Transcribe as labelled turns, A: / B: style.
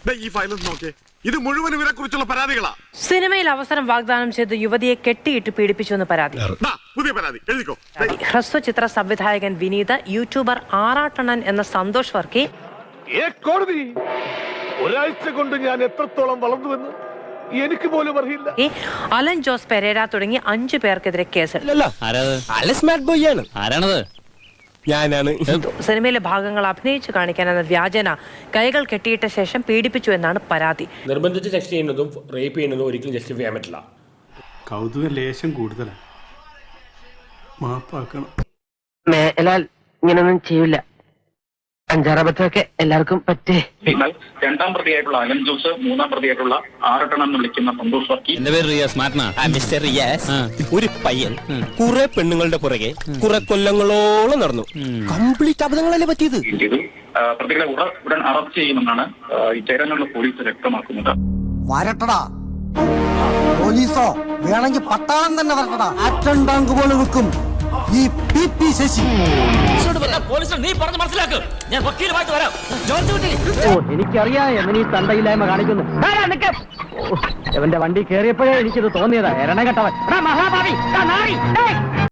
A: ഈ ഫയലും നോക്കേ, ഇത് മുഴുവൻ ഇവരെ കുറിച്ചുള്ള പരാതികളാ.
B: സിനിമയിൽ അവസരം വാഗ്ദാനം ചെയ്ത് യുവതിയെ കെട്ടിയിട്ട് പീഡിപ്പിച്ചുവെന്ന് പരാതി.
A: പുതിയ പരാതി എഴുതിക്കോ.
B: ഹ്രസ്വ ചിത്ര സംവിധായകൻ വിനീത്, യൂട്യൂബർ ആറാട്ടണ്ണൻ എന്ന സന്തോഷ് വർക്കി.
C: കോടതി ഒരാഴ്ച കൊണ്ട് ഞാൻ എത്രത്തോളം വളർന്നുവെന്ന് എനിക്ക് പോലും അറിയില്ല.
B: അലൻ ജോസ് പെരേര തുടങ്ങി 5 പേർക്കെതിരെ കേസെടുത്തു. സിനിമയിലെ ഭാഗങ്ങൾ അഭിനയിച്ചു കാണിക്കാനെന്ന വ്യാജന കൈകൾ കെട്ടിയിട്ട ശേഷം പീഡിപ്പിച്ചു എന്നാണ് പരാതി.
D: നിർബന്ധിച്ച് സെക്സ് ചെയ്യുന്നതും റേപ്പ് ചെയ്യുന്നതും ഒരിക്കലും ജസ്റ്റിഫൈ ചെയ്യാൻ പറ്റില്ല.
E: കൗതുക ലേശം കൂടുതലാണ്. മാപ്പാക്കണം.
F: മേലാൽ ഇങ്ങനൊന്നും ചെയ്യില്ല. 5-6 അബദ്ധമൊക്കെ എല്ലാവർക്കും പറ്റേ.
G: എന്നാൽ 2ാം പ്രതിയായിട്ടുള്ള അലൻ ജോസ്, 3ാം പ്രതിയായിട്ടുള്ള ആറട്ടണം എന്ന് വിളിക്കുന്ന സന്തോഷ് വർക്കി.
H: എന്റെ പേര് റിയാസ്. മിസ്റ്റർ റിയാസ് ഒരു പയ്യൻ കുറെ പെണ്ണുങ്ങളുടെ പുറകെ കുറെ കൊല്ലങ്ങളോളം നടന്നു. കംപ്ലീറ്റ് അബദ്ധങ്ങളല്ലേ പറ്റിയത്.
G: പ്രതികളെ ഉടൻ അറസ്റ്റ് ചെയ്യുമെന്നാണ് ഈ ചേരാനുള്ള പോലീസ് വ്യക്തമാക്കുന്നത്.
I: വരട്ടടാ പോലീസോ, വേണമെങ്കിൽ പട്ടാളം തന്നെ വരട്ടടാ. ആക്ഷൻ ബാങ്ക് പോലെ വെക്കും ഈ PP ശശി.
F: എനിക്കറിയാം എങ്ങനെ ഈ തണ്ടയില്ലായ്മ കാണിക്കുന്നു. എവന്റെ വണ്ടി കയറിയപ്പോഴേ എനിക്കിത് തോന്നിയതാ. എരണ കെട്ടവൻ മഹാഭാവി.